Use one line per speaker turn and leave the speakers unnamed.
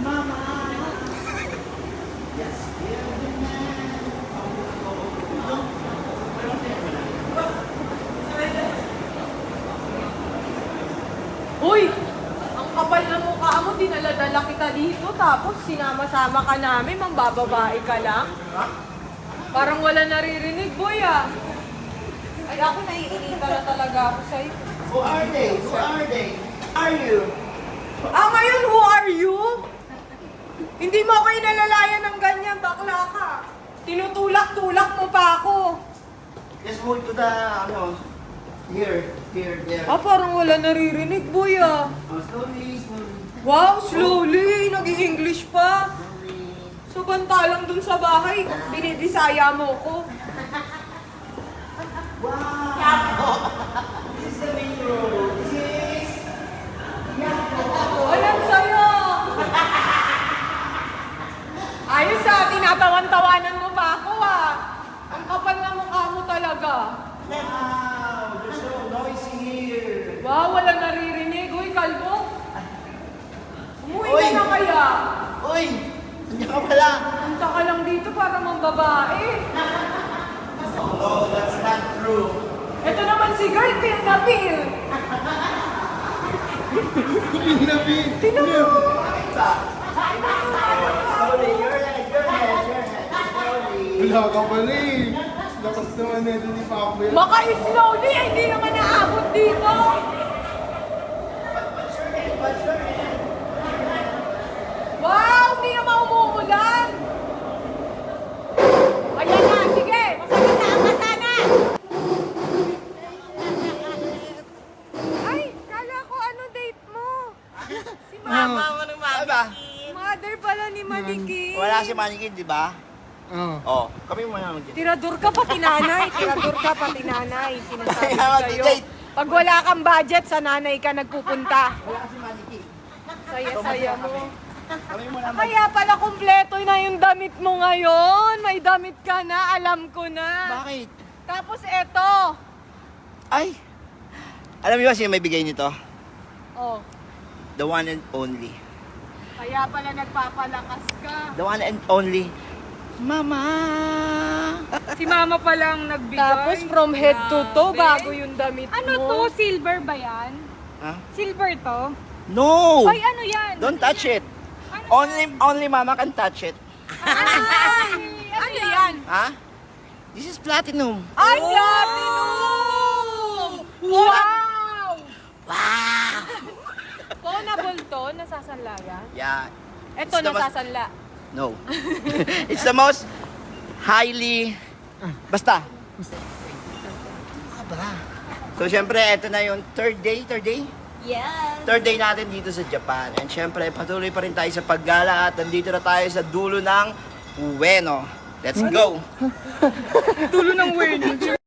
Uy! Ang kapal na mukha mo, dinala-dala kita dito, tapos sinama-sama ka namin, mambababae ka lang. Parang wala naririnig, boy ah. Ay, ako naiinita na talaga ako sa'yo.
Who are they? Who are they? Are you?
Ah, ngayon, who are you? Hindi mo ako inalalayan ng ganyan, bakla ka. Tinutulak-tulak mo pa ako.
Just move to the, here, there.
Ah, parang wala naririnig, boy ah.
Oh, slowly, slowly.
Wow, slowly, nag-i-English pa.
Slowly.
Sabantalang dun sa bahay, binibisaya mo ko.
Wow! This is the main road. This is...
Ayan sa'yo! Ayos ah, tinatawan-tawanan mo pa ako ah. Ang kapal na mukha mo talaga.
Wow! There's so noisy here.
Wow, wala naririnig. Uy, kalbo. Umuwi
Uy!
ka na kaya.
Uy! Nandiyan ka pala.
Punta ka lang dito para mambabae.
Oh, that's not true.
Ito naman si girl, pil na pil. Tinan mo.
Slowly, your head. Slowly.
Wala ka pala eh. Lakas naman na ito ni Pacboy.
Maka-slowly, hindi naman naabot dito.
What's your name? What's your name?
Wow, hindi naman umuulan. Ayan na, sige. Masagasaan ka sana. Ay, kala ko ano date mo? Si Mama.
Aba,
Mother pala ni Maliki.
wala si Manikin, di ba?
Oo.
Oh, kami muna mag
Tirador ka pati nanay. Tirador ka pati nanay. Sinasabi
Kaya
ko sa'yo.
mag-date.
Pag wala kang budget, sa nanay ka nagpupunta.
Wala si Manikin.
Saya-saya mo.
Kami muna mag...
Kaya pala kumpleto na yung damit mo ngayon. May damit ka na, alam ko na.
Bakit?
Tapos eto.
Ay! Alam niyo ba sino may bigay nito?
Oh,
The one and only.
kaya pala nagpapalakas ka.
The one and only. Mama!
Si mama palang nagbigay. Tapos from head to toe, bago yung damit
Ano
mo.
to? Silver ba yan?
Ha?
Silver to?
No!
Ay, ano yan?
Don't touch it.
Ano
Only mama can touch it.
Ano yan?
Ha? This is platinum.
Ay, platinum! Wow!
Wow!
Phonable to, nasasanlayan.
Yeah.
Eto,
It's the most-
nasasanla.
No. It's the most highly... Basta. Ano ka ba? So, syempre, ito na yung third day.
Yes.
Third day natin dito sa Japan. And syempre, patuloy pa rin tayo sa paggala at nandito na tayo sa dulo ng Ueno. Let's go!
Tulo ng wedding.